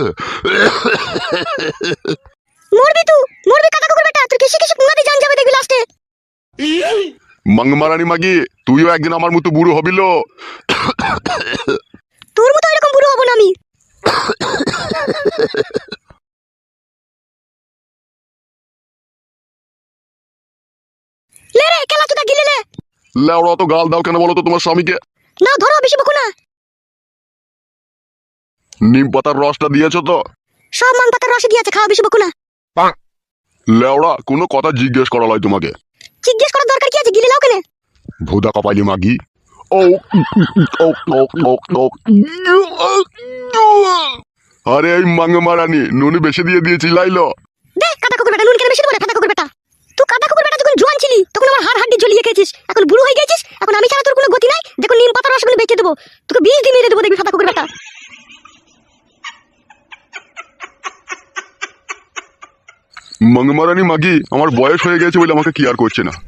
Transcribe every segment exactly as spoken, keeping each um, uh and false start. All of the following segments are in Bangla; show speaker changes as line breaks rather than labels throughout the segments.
মরবি তুই, মরবি কাকা কুকুর বেটা, তোর কিসে কিসে পুঙ্গাতে জান যাবে দেখবি লাস্টে।
মাংমারানি মাগি, তুইও একদিন আমার মতো বুড়ো হবিল।
তোর মতো এরকম বুড়ো হব না আমি। লে রে কেলা তুই গিলে লে।
লেওড়া তো গাল দাও কেন বলো তো তোমার স্বামীকে?
না ধরো, বেশি বকো না।
নিম পাতার রসটা দিয়েছো তো?
সব মান পাতার রসে দিয়েছে, খাওয়া, বেশি বকো না।
লেওড়া কোনো কথা জিজ্ঞেস করা লয় তোমাকে।
জিজ্ঞেস করার দরকার কি আছে, গিলে লাও কেনে?
ভুদা কপালি মাগি। ও ও ও ও ও আরে এই মাংমারানি নুনি বেশি দিয়ে দিয়েছি লাইলো।
দে কাটা কুকুর বেটা, নুন কেন বেশি দেবো রে ফাটা কুকুর বেটা। তুই কাটা কুকুর বেটা যখন জোয়ান ছিলি তখন আমার হাড় হাড্ডি ঝুলিয়ে খেয়েছিস, এখন বুড়ো হয়ে গেছিস, এখন আমি ছাড়া তোর কোনো গতি নাই। দেখো নিম পাতার রসগুলো বেঁচে দেবো, তোকে বিষ দিয়ে মেরে দেবো দেখবি ফাটা কুকুর বেটা।
মাংমারানি মাগি, আমার বয়স হয়ে গেছে বলে আমাকে কি আর করছে না।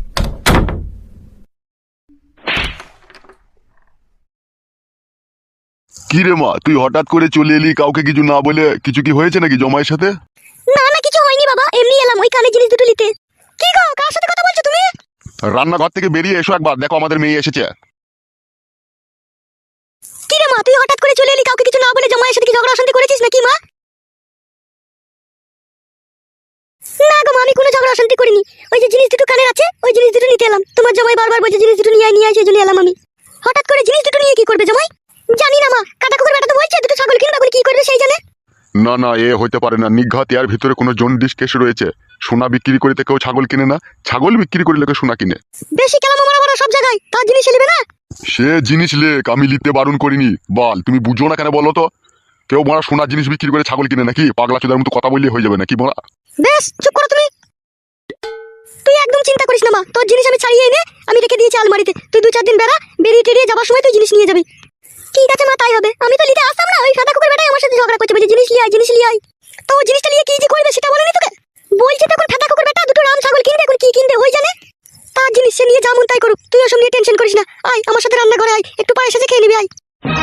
কি রে মা, তুই হঠাৎ করে চলে এলি কাউকে কিছু না বলে? কিছু কি হয়েছে নাকি জমায়ের সাথে?
না না কিছু হয়নি বাবা, এমনি এলাম ওই কানে জিনিস দুটো নিতে। কি গো, কার সাথে কথা বলছো তুমি?
রান্নাঘর থেকে বেরিয়ে এসো একবার, দেখো আমাদের মেয়ে এসেছে।
কি রে মা, তুই হঠাৎ করে চলে এলি কাউকে কিছু না বলে, জামাইয়ের সাথে কি ঝগড়া অশান্তি করেছিস নাকি মা? না গো মা, আমি কোনো ঝগড়া অশান্তি করিনি। ওই যে জিনিস দুটো কানের আছে, ওই জিনিস দুটো নিতে এলাম। তোমার জামাই বারবার বলছে জিনিস দুটো নিয়ে আয় নিয়ে আয়, সেই জন্য এলাম আমি। হঠাৎ করে জিনিস দুটো নিয়ে কি করবে জামাই? জানি না মা, কাটা কুকুর বেটা তো বলছে দুটো ছাগল কিনবে, এখন কি করবে সেই জানে।
না না, এ হইতে পারে না। নিঘাত এর ভিতরে কোনো জন্ডিস কেস রয়েছে। সোনা বিক্রি করিতে কেউ ছাগল কিনে না, ছাগল বিক্রি করে লোকে সোনা কিনে।
বেশি কেলাম মারা মারা সব জায়গায়, তার জিনিস নেবে না।
সে জিনিস লেক, আমি লিখতে বারণ করিনি। বল, তুমি বুঝো না কেন বলো তো? কেউ মারা সোনার জিনিস বিক্রি করে ছাগল কিনে নাকি? পাগলা চোদার মতো কথা বললে হয়ে যাবে নাকি বলা?
বেশ চুপ করো তুমি। তুই একদম চিন্তা করিস না মা, তোর জিনিস আমি ছাড়িয়ে এনে আমি রেখে দিয়েছি আলমারিতে। তুই দু চার দিন বেড়া, বেরিয়ে টেরিয়ে যাবার সময় তুই জিনিস নিয়ে যাবি। ঠিক আছে মা, তাই হবে। আমি তো নিতে আসতাম না, ওই সাদা কুকুর বেটাই আমার সাথে ঝগড়া করছে, বলছে জিনিস লিয়ে আয় জিনিস লিয়ে আয়। তো ও জিনিসটা নিয়ে কি যে করবে সেটা বলেনি তোকে? বলছি তখন ফাটা কুকুর বেটা দুটো রাম ছাগল কিনবে, এখন কি কিনবে ওই জানে। তার জিনিস সে নিয়ে যেমন তাই করুক, তুই ওসব নিয়ে টেনশন করিস না। আয় আমার সাথে রান্নাঘরে আয়, একটু পায়েস আছে খেয়ে নিবি আয়।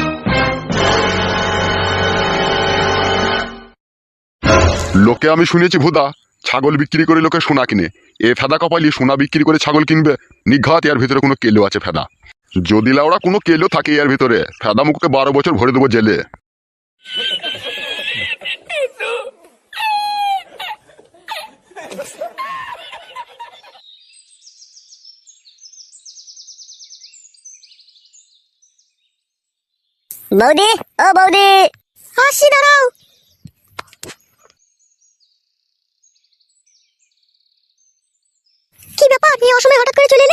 লোকে আমি শুনেছি ভুদা ছাগল বিক্রি করে লোকে সোনা কিনে। এ ফেদা কপালি সোনা বিক্রি করে ছাগল কিনবে? নিঘাত এর ভিতরে কোনো কেলো আছে ফেদা। যদি লাউড়া কোনো কেলো থাকে এর ভিতরে, ফেদা মুখকে বারো বছর ভরে দেবো জেলে।
বৌদি, ও বৌদি, আসি দাঁড়াও। কি ব্যাপার, এই অসময়ে হঠাৎ করে চলে এলে?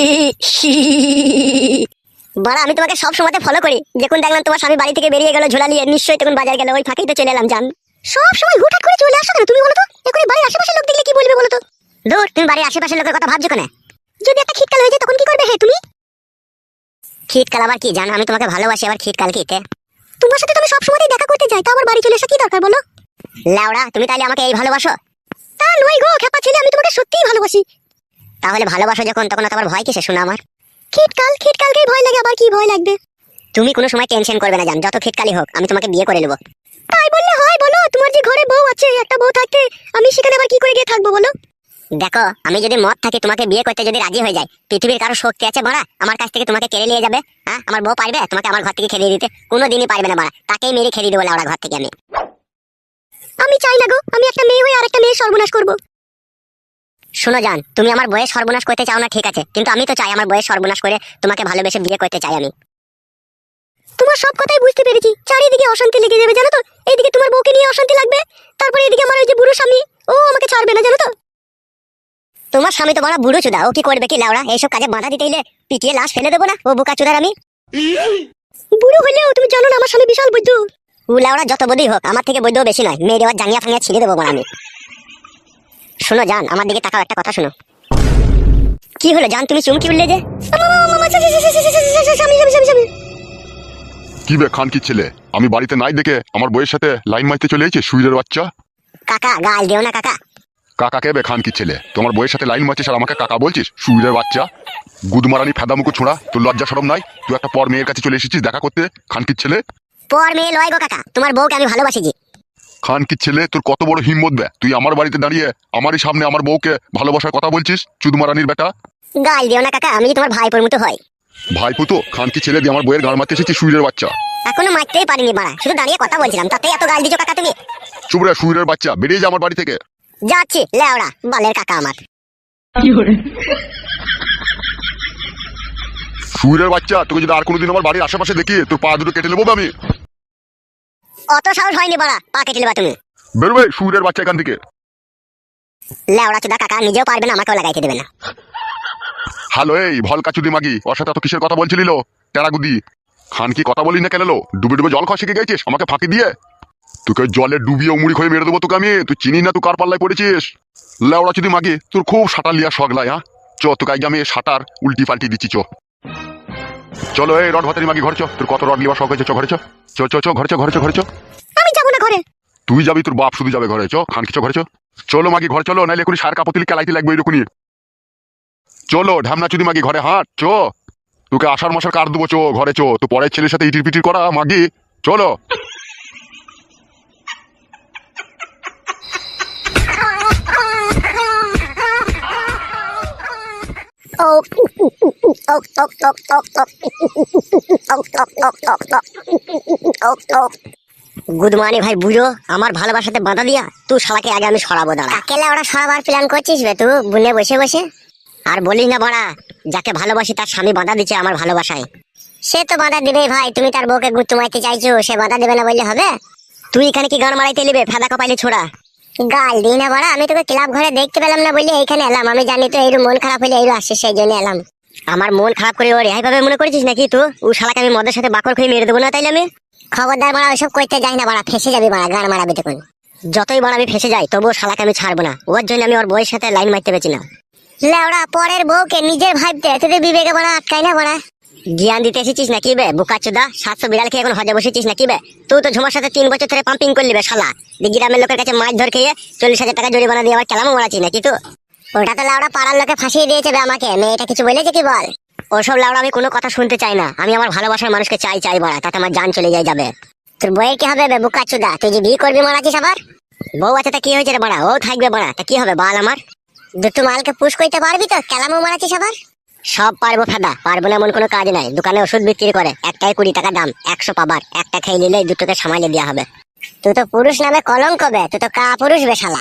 বাড়া, আমি তোমাকে সব সময়তে ফলো করি। যখন দেখলাম তোমার স্বামী বাড়ি থেকে বেরিয়ে গেল ঝোলা নিয়ে, নিশ্চয়ই তখন বাজার গেল, ওই ফাঁকেই তো চলে এলাম জান। সব সময় হুটহাট করে চলে আসো কেন তুমি বলো তো? এখন বাড়ির আশেপাশের লোক দেখলে কি বলবে বলো তো? দূর, তুমি বাড়ির আশেপাশের লোকের কথা ভাবছো কেন? যদি একটা খিটকাল হয়ে যায় তখন কি করবে হে তুমি? খিটকাল আবার কি জানো? আমি তোমাকে ভালোবাসি, আবার খিটকাল কি? তোমার সাথে তুমি সব সময়ই দেখা করতে যাই, তা আবার বাড়ি চলে এসে কি দরকার বলো? লাউড়া, তুমি তাহলে আমাকে এই ভালোবাসো? তা নয় গো খেপা ছেলে, আমি তোমাকে সত্যিই ভালোবাসি। তাহলে ভালোবাসো যখন, তখন তো আবার ভয় কিসে শোনা আমার? খিটকাল, খিটকালকেই ভয় লাগে, আবার কি ভয় লাগবে? তুমি কোনো সময় টেনশন করবে না জান, যত খিটকালি হোক আমি তোমাকে বিয়ে করে নেব। তাই বললে হয় বলো? তোমার যে ঘরে বউ আছে, একটা বউ থাকতে আমি সেখানে আবার কি করে গিয়ে থাকবো বলো? দেখো, আমি যদি মত থাকি তোমাকে বিয়ে করতে যদি রাজি হয়ে যায়, পৃথিবীর কারো শক্তি আছে মারা আমার কাছ থেকে তোমাকে কেড়ে নিয়ে যাবে? হ্যাঁ, আমার বউ পারবে তোমাকে আমার ঘর থেকে খেলিয়ে দিতে? কোনোদিনই পারবে না মারা, তাকেই মেরে খেলিয়ে দেবো লাউড়া ঘর থেকে আমি। আমি চাই না গো, আমি একটা মেয়ে হয়ে আরেকটা মেয়ে সর্বনাশ করবো। শোনো জান, তুমি আমার বয়স সর্বনাশ করতে চাও না ঠিক আছে, কিন্তু আমি তো চাই আমার বয়স সর্বনাশ করে তোমাকে ভালোবেসে বিয়ে করতে চাই আমি। তোমার সব কথাই বুঝতে পেরেছি, চারিদিকে অশান্তি লেগে যাবে জানো তো। এইদিকে তোমার বউকে নিয়ে অশান্তি লাগবে, তারপরে এদিকে আমার ওই যে বুড়ো স্বামী, ও আমাকে ছাড়বে না জানো তো। তোমার স্বামী তো বড় বুড়ো চুদা, ও কি করবে কি লাউড়া? এইসব কাজে বাধা দিতে এলে পিটিয়ে লাশ ফেলে দেবো না ও বোকা চুদার আমি? বুড়ো হলেও তুমি জানো না আমার স্বামী বিশাল বৈদ্য। ও লাউড়া যত বৈদ্যই হোক, আমার থেকে বৈদ্য বেশি নয়। মেয়ে দেওয়ার জাঙ্গিয়া ফাঙ্গিয়া ছিঁড়ে দেবো আমি। শোনো জান, আমার দিকে তাকাও, একটা কথা শোনো। কি হলো জান, তুমি চুমকি উঠলে যে?
কি বে খান কি ছেলে, আমি বাড়িতে নাই দেখে আমার বইয়ের সাথে লাইন মারতে চলে এসেছে সুইরের বাচ্চা।
কাকা গাল দিও না কাকা।
কাকাকে বে খান কি ছেলে, তোমার বইয়ের সাথে লাইন মারছিস আর আমাকে কাকা বলছিস? সুইরের বাচ্চা, গুদমারানি ফেদামুকু ছোঁড়া, তোর লজ্জা শরম নাই? তুই একটা পর মেয়ের কাছে চলে এসেছিস দেখা করতে, খান কি ছেলে।
পর মেয়ে লয় গো কাকা, তোমার বউকে আমি ভালোবাসি জি।
খান কি ছেলে, তোর কত বড় হিম্মত বে, তুই আমার বাড়িতে দাঁড়িয়ে আমারই সামনে আমার বউকে ভালোবাসার কথা বলছিস? চুদমারানির বেটা।
গাল দিও না কাকা, আমি তোমার ভাইপোর মতো হয়।
ভাই পুতো খান কি ছেলে দিয়ে আমার বইয়ের গাড় মারতে এসেছিস সুইরের বাচ্চা?
এখনো মারতেই পারিনি বাড়া, শুধু দাঁড়িয়ে কথা বলছিলাম, তাতেই এত গাল দিছো কাকা তুমি?
চুপ রে সুইরের বাচ্চা, বেরিয়ে যা আমার বাড়ি থেকে।
যাচ্ছি লেওড়া বালের কাকা আমার।
সুইরের বাচ্চা, তোকে যদি আর কোনোদিন আমার বাড়ির আশেপাশে দেখি তোর পা দুটো কেটে নেবো বে আমি।
অত সাহস হয়নি বাড়া, পা কেটে নেবা তুমি।
বেরোবে সুইরের বাচ্চা এখান থেকে।
লেওড়া চুদা কাকা নিজেও পারবে না, আমাকেও লাগাইতে দেবে না।
হ্যালো এই ভলকা চুদি মাগি, ওর সাথে এত কিসের কথা বলছিলিল? টেরাগুদি খান কি কথা বলি না কেন? ডুবে ডুবে জল খাওয়া শিখে গেছিস আমাকে ফাঁকি দিয়ে? তোকে জলে ডুবিয়ে মুড়ি খয়ে মেরে দেবো তোকে আমি। তুই চিনি না তুই কার পাল্লায় পড়েছিস? লেওড়া চুদি মাগি, তোর খুব সাঁটার লিয়া শগলাই। হ্যাঁ চ, তোকে আগে আমি সাঁটার উল্টি পাল্টি দিচ্ছি। চো চলো এই রড ভাতারি মাগি, ঘর চ। তোর কত রড লিবা শখ হয়েছে, চ ঘরে চ। চ চ চ ঘরে চ, ঘরে চ, ঘরে চ।
আমি যাবো না ঘরে।
তুই যাবি, তোর বাপ শুধু যাবে ঘরে। চ খান কি চ ঘরে চ। চলো মাগি ঘর চলো, নাইলে এখনই সার কাপতিলি কেলাইতে লাগবে এরকমই। চলো ঢামনা চুদি মাগি ঘরে হাঁট চ। তোকে আষাঢ় মাসের কার দেবো, চো ঘরে চো। তো পরের ছেলের সাথে ইটির পিটির করা মাগি, চলো।
ও ওক ওক ওক ওক ওক ওক ওক ওক ওক ওক ওক। গুদমানি ভাই বুঝো, আমার ভালোবাসাতে বাধা দিয়া তুই শালাকে আগে আমি সরাবো। দাঁড়া, কাকেলে ওরা সরাবার প্ল্যান করছিস বে তুই বুনে বসে বসে? আর বলিস না বড়া, যাকে ভালোবাসি তার স্বামী বাধা দিচ্ছে আমার ভালোবাসায়। সে তো বাধা দিবেই ভাই, তুমি তার বউকে গুত্তু মারতে চাইছো, সে বাধা দেবে না বললে হবে? তুই এখানে কি গান মারাইতে নিবে ফেদা কপাইলে ছোড়া? গাল দিই না বড়া, আমি তোকে ক্লাব ঘরে দেখতে পেলাম না বললে এইখানে এলাম। আমি জানি তো এইরু মন খারাপ হলে এইরু আসছিস, সেই জন্য এলাম। আমার মন খারাপ করে ওর এইভাবে মনে করেছিস নাকি তুই? ও শালাকে আমি মদের সাথে বাকর খেয়ে মেরে দেবো না তাইলে আমি? খবরদার বাড়া, ওইসব করতে যাই না বাড়া, ফেসে যাবি বাড়া, গান মারাবি তখন। যতই বাড়া আমি ফেসে যাই তবুও শালাকে আমি ছাড়বো না, ওর জন্য আমি ওর বউয়ের সাথে লাইন মারতে পেরেছি না। লেওড়া পরের বউকে নিজের ভাবতে তোদের বিবেকে বাড়া আটকাই না বাড়া। জ্ঞান দিতে এসেছিস নাকি বে বোকাচোদা? সাতশো বিড়াল খেয়ে এখন হজে বসেছিস নাকি বে? তুই তো ঝুমার সাথে তিন বছর ধরে পাম্পিং করলি বে শালা। গ্রামের লোকের কাছে মাছ ধর খেয়ে চল্লিশ হাজার টাকা জরিমানা দিয়ে আবার কেলামও মারাচ্ছি নাকি তুই? ওটা তো লাউড়া পাড়ার লোকে ফাঁসিয়ে দিয়েছে বে আমাকে, মেয়েটা কিছু বলেছে কি বল? ওসব লাউড়া আমি কোনো কথা শুনতে চাই না, আমি আমার ভালোবাসার মানুষকে চাই চাই বাড়া, তাতে আমার জান চলে যায় যাবে। তোর বইয়ের কি হবে বে বোকাচোদা? তুই যে বিয়ে করবি মারাচ্ছিস আবার? বউ আছে তা কি হয়েছে রে বাড়া, ও থাকবে বাড়া, তা কি হবে বাল আমার? দুটো মালকে পুশ করতে পারবি তো, কেলামও মারাচ্ছিস আবার? সব পারবো ফেদা, পারবো না এমন কোনো কাজ নাই। দোকানে ওষুধ বিক্রি করে, একটাই কুড়ি টাকা দাম, একশো পাবার, একটা খেয়ে নিলেই দুটোকে সামালে দেওয়া হবে। তুই তো পুরুষ নামে কলঙ্ক বে, তুই তো কা পুরুষ বে শালা।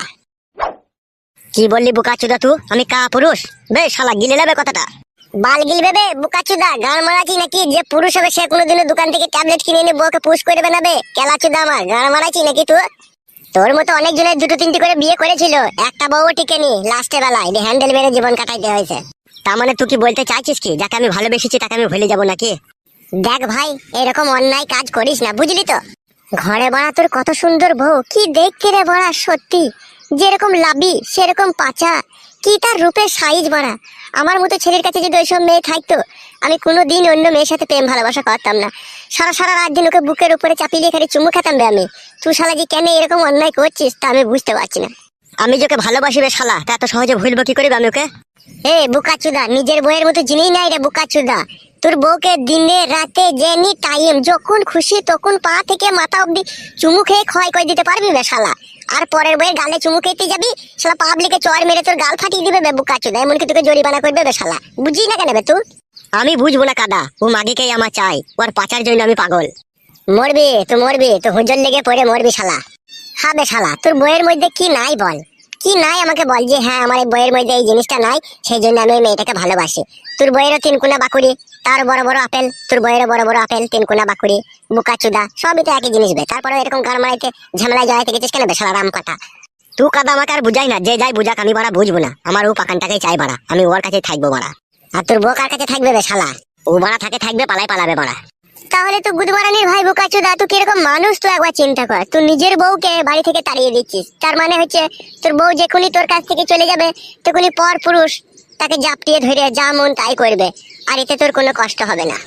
কি বললি বোকাচোদা তুই? আমি কা পুরুষ বে শালা? গিলে নেবে কথাটা। বাল গিলবে বে বোকাচোদা, গান মারাচ্ছি নাকি? যে পুরুষ হবে সে কোনোদিনও দোকান থেকে ট্যাবলেট কিনে এনে বউকে পুশ করে দেবে না বে কেলাচোদা আমার। গান মারাচ্ছি নাকি তুই? তোর মতো অনেক জনের দুটো তিনটি করে বিয়ে করেছিল, একটা বউও টিকেনি, লাস্টের বেলায় হ্যান্ডেল মেরে জীবন কাটাইতে হয়েছে। তার মানে তুই কি বলতে চাইছিস কি যাকে আমি ভালোবেসেছি তাকে আমি ভুলে যাবো নাকি? দেখ ভাই, এরকম অন্যায় কাজ করিস না, বুঝলি তো? ঘরে বড়া তোর কত সুন্দর বউ, কি দেখতে রে বড়া, সত্যি যেরকম লাবি সেরকম পাচা, কি তার রূপের সাইজ বড়া। আমার মতো ছেলের কাছে যদি ওইসব মেয়ে থাকতো, আমি কোনোদিন অন্য মেয়ের সাথে প্রেম ভালোবাসা করতাম না। সারা সারা রাত দিন ওকে বুকের উপরে চাপিয়ে খালি চুমু খেতাম বে আমি। তুই শালা যে কেন এরকম অন্যায় করছিস তা আমি বুঝতে পারছি না। আমি যাকে ভালোবাসি বে শালা, তা এত সহজে ভুলবো কি করে আমি ওকে? এ বুকাচুদা, নিজের বইয়ের মতো জিনিস নাই রে বুকাচুদা। তোর বউকে দিনে রাতে যেনি টাইম যখন খুশি তখন পা থেকে মাথা অব্দি চুমু খেয়ে ক্ষয় করে দিতে পারবি বে শালা। আর পরের বইয়ের গালে চুমু খেতে যাবি, শালা পাবলিকে চড় মেরে তোর গাল ফাটিয়ে দিবে বে বুকাচুদা, এমনকি তোকে জরিমানা করবে বে শালা। বুঝি না কেন বে তুই? আমি বুঝবো না কাদা, ও মাগিকেই আমার চাই, ওর পাচার জন্য আমি পাগল। মরবি তো মরবি, তো হুজল লেগে পড়ে মরবি শালা। হবে শালা, তোর বইয়ের মধ্যে কি নাই বল? কি নাই আমাকে বল, যে হ্যাঁ আমার এই বইয়ের মধ্যে এই জিনিসটা নাই, সেই জন্য আমি ওই মেয়েটাকে ভালোবাসি। তোর বইয়েরও তিনকুনা বাকুড়ি, তার বড় বড় আপেল, তোর বইয়েরও বড় বড় আপেল, তিনকুনা বাকুড়ি, বুকাচুদা, সবই তো একই জিনিস বে। তারপরে এরকম গান মারাইতে ঝামেলায় জড়াইতে গেছিস কেন বে শালা রাম কথা? তুই কাদা আমাকে আর বুঝাই না, যে যাই বুঝাক আমি বাড়া বুঝবো না। আমার ও পাকানটাকেই চাই বাড়া, আমি ওর কাছেই থাকবো বাড়া। আর তোর বউ কার কাছে থাকবে বে শালা? ও বাড়া থাকে থাকবে, পালাই পালাবে বাড়া। তাহলে তো গুদমারানির ভাই বোকাচোদা, তুই কিরকম মানুষ তুই একবার চিন্তা কর। তুই নিজের বউকে বাড়ি থেকে তাড়িয়ে দিচ্ছিস, তার মানে হচ্ছে তোর বউ যখনই তোর কাছ থেকে চলে যাবে তখনই পর পুরুষ তাকে জাপটিয়ে ধরে যা মন তাই করবে, আর এতে তোর কোনো কষ্ট হবে না।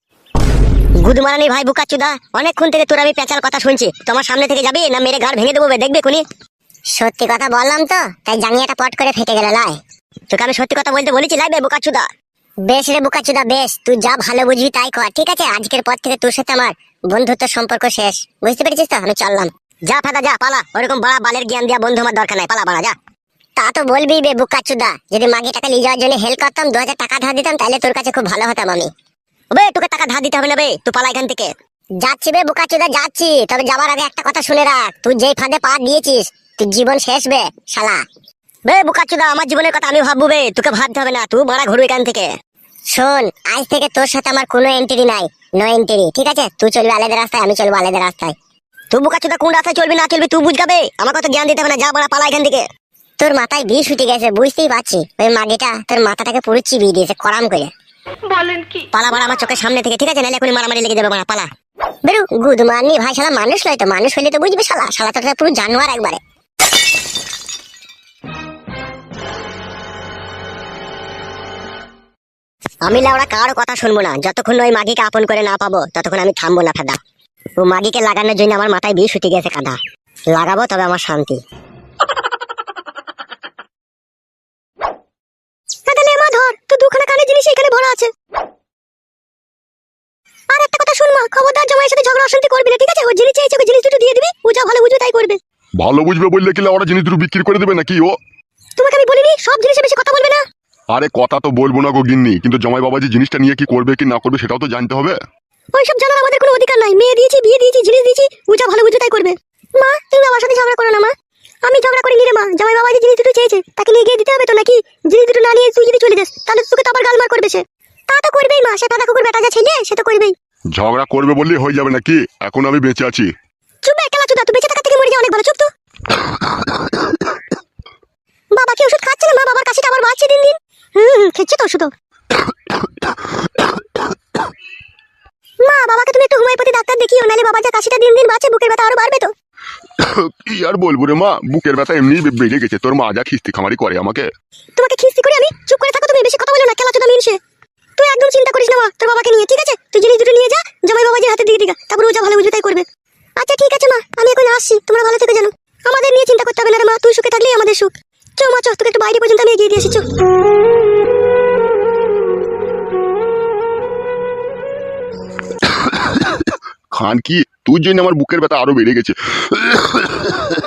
গুদমারানির ভাই বোকাচোদা, অনেকক্ষণ থেকে তোর আমি পেঁচার কথা শুনছি, তোমার সামনে থেকে যাবি না মেরে ঘাড় ভেঙে দেবো দেখবে কোনি? সত্যি কথা বললাম তো, তাই জাঙ্গিয়াটা পট করে ফেটে গেল লাই। তোকে আমি সত্যি কথা বলতে বলেছি লাই বে বোকাচোদা। বেশ রে বোকাচোদা বেশ, তুই যা ভালো বুঝবি তাই কর, ঠিক আছে? আজকের পর থেকে তোর সাথে আমার বন্ধুত্ব সম্পর্ক শেষ, বুঝতে পেরেছিস তো? আমি চললাম। যা ফেদা যা পালা, ওরকম বড় বালের জ্ঞান দেওয়া বন্ধু আমার দরকার নাই, পালা বাড়া যা। তা তো বলবি বে বুকাচুদা, যদি মাগে টাকা নিয়ে যাওয়ার জন্য হেল্প করতাম, দু হাজার টাকা ধার দিতাম, তাহলে তোর কাছে খুব ভালো হতাম আমি। বে তোকে টাকা ধার দিতে হবে না বে, তুই পালা এখান থেকে। যাচ্ছি বে বুকাচুদা যাচ্ছি, তবে যাবার আগে একটা কথা শুনে রাখ, তুই যেই ফাঁদে পা দিয়েছিস তুই জীবন শেষ বে শালা। বে বুকাচুদা আমার জীবনের কথা আমি ভাববো বে, তোকে ভাবতে হবে না, তুই মারা ঘুরবি এখান থেকে। শোন, আজ থেকে তোর সাথে আমার কোনো এন্ট্রি নাই, নো এন্ট্রি, ঠিক আছে? তুই চলবি আলাদা রাস্তায়, আমি চলবো আলাদা রাস্তায়। তুই বুকাচুদা কোন রাস্তায় চলবি না চলবি তুই বুঝগাবে, আমাকে তো জ্ঞান দিতে হবে না, যা মারা পালা এখান থেকে। তোর মাথায় বিষ উঠে গেছে বুঝতেই পারছি, ওই মাগিটা তোর মাথাটাকে পুরো চিবিয়ে দিয়েছে করাম করে।
বলেন কি?
পালা বাড়া আমার চোখের সামনে থেকে, ঠিক আছে? নাহলে এখনই মারামারি লেগে যাবে, বাড়া পালা। বেরু গুদ মারনি ভাই, শালা মানুষ নয় তো, মানুষ হইলে তো বুঝবি শালা, শালা তো পুরো জানোয়ার একবারে। আমি লাউড়া কারো কথা শুনবো না, যতক্ষণ ওই মাগিকে আপন করে না পাবো ততক্ষণ আমি থামবো না ফেদা। ও মাগিকে লাগানোর জন্য আমার মাথায় বিষ উঠে গেছে কাদা, লাগাবো তবে আমার শান্তি। ধর তুই দুখানা কানের জিনিস এখানে ভরা আছে। আর একটা কথা শুন মা, খবরদার জামাইয়ের সাথে ঝগড়া অশান্তি করবি না, ঠিক আছে? ও জিনিস চেয়েছে, ওকে জিনিস দুটো দিয়ে দিবি, ও যা ভালো বুঝবে তাই করবে।
ভালো বুঝবে বললে কি ওরা জিনিস দুটো বিক্রি করে দেবে নাকি ও?
তোমাকে আমি বলিনি সব জিনিসে বেশি কথা বলবে না?
আরে কথা তো বলবো না গো গিন্নি, কিন্তু জামাই বাবা যে জিনিসটা নিয়ে কি করবে কি না করবে সেটাও তো জানতে হবে।
ওইসব জানার আমাদের কোনো অধিকার নাই, মেয়ে দিয়েছি বিয়ে দিয়েছি জিনিস দিয়েছি, ও যা ভালো বুঝবে তাই করবে। মা তুমি বাবার সাথে ঝগড়া করো না মা। আমি ঝগড়া করিনি রে মা, জামাই বাবা যে জিনিস দুটো চেয়েছে তাকে নিয়ে গিয়ে দিতে হবে তো নাকি? জিনিস দুটো না নিয়ে তুই যদি চলে যাস তাহলে তোকে তো আবার গালমার করবে সে। তা তো করবেই মা, সে কাদা কুকুর বেটা যা ছেলে সে তো করবেই।
ঝগড়া করবে বললেই হয়ে যাবে নাকি? এখন আমি বেঁচে আছি।
চুপ একলা চুদা, তুই বেঁচে থাকা থেকে মরে যা অনেক ভালো, চুপ তো। বাবা কি ওষুধ খাচ্ছে না মা? বাবার কাশিটা আবার বাড়ছে দিন দিন। হুম খেচ্ছে তো ওষুধ। মা বাবাকে তুমি একটু হোমিওপ্যাথি ডাক্তার দেখিও, নাহলে বাবার যা কাশিটা দিন দিন বাড়ছে বুকের ব্যথা আরো বাড়বে তো।
কি আর বলবো রে মা, বুকের ব্যথা এমনি বেড়ে গেছে, তোর মা যা খিস্তি খামারি করে আমাকে।
তোমাকে খিস্তি করি আমি? চুপ করে থাকো তুমি, বেশি কথা বলো না, খেলা চোদা মিনসে। তুই একদম চিন্তা করিস না মা তোর বাবাকে নিয়ে, ঠিক আছে? তুই জিনিস দুটো নিয়ে যা, জামাই বাবাজির হাতে দিয়ে দিগা, তারপর ও যা ভালো বুঝবে তাই করবে। আচ্ছা ঠিক আছে মা, আমি এখন আসছি, তোমরা ভালো থেকে জানো, আমাদের নিয়ে চিন্তা করতে হবে না রে মা, তুই সুখে থাকলেই আমাদের সুখ। চো মা চো, তোকে একটু বাইরে পর্যন্ত আমি এগিয়ে দিয়ে আসি, চো।
খান কি, তুই জন্য আমার বুকের ব্যথা আরো বেড়ে গেছে।